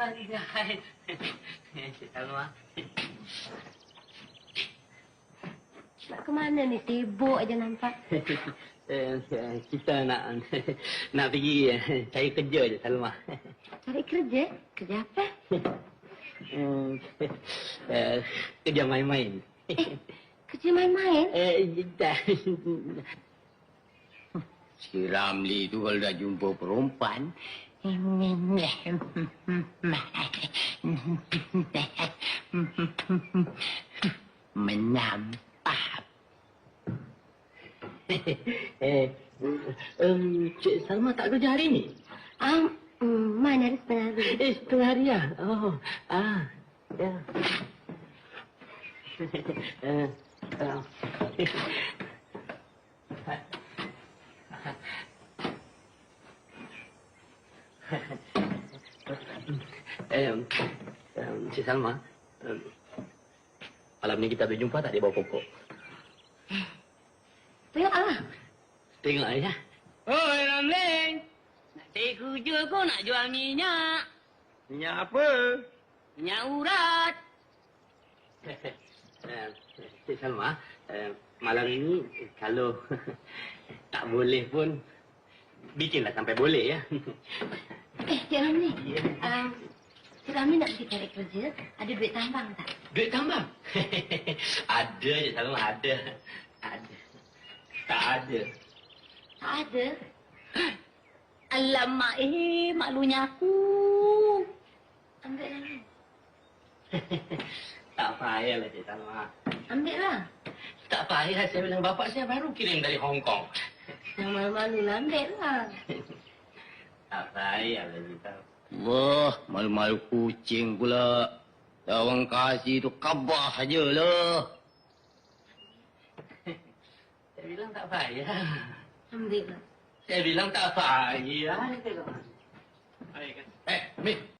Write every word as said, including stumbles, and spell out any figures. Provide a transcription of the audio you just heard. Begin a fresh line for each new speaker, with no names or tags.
Andai. Cik Salma.
Nak ke mana ni? Sibuk aja nampak.
Kita nak nak pergi cari kerja je, Salma.
Cari kerja? Kerja apa?
Kerja main-main.
Eh, kerja main-main?
Eh,
Si Ramli tu kalau dah jumpa perempuan, menampak.
eh, um, Cik Salma tak kerja hari ni?
Ah, um, mana ada setengah hari?
Eh, setengah hari lah. Oh, ah, ya. uh, uh, um, um, Cik Salma, um, malam ni kita berjumpa tak di bawah pokok?
Tengoklah.
Tengok aja.
Oi, Ramling. Nak cari kerja kau nak jual minyak.
Minyak apa?
Minyak urat.
uh, Cik Salma, uh, malam ini kalau tak boleh pun bikinlah sampai boleh ya.
Eh, Cik Ramli. Um, Cik Ramli nak pergi cari kerja. Ada duit tambang tak?
Duit tambang? Ada je Salma, ada. Ada. Tak ada.
Tak ada.
Alamak, eh, malunya aku.
Ambil lah.
Tak payahlah Cik Salma.
Ambil lah.
Tak payah, saya bilang bapak saya baru kirim dari Hong Kong.
Yang malu-malu lah, ambil lah.
Tak payahlah Cik Salma.
Wah, malu-malu kucing pula. Dah orang kasih tu khabar sajalah.
Saya bilang tak payah.
Ambil lah.
Saya bilang tak payah.
Eh, Min.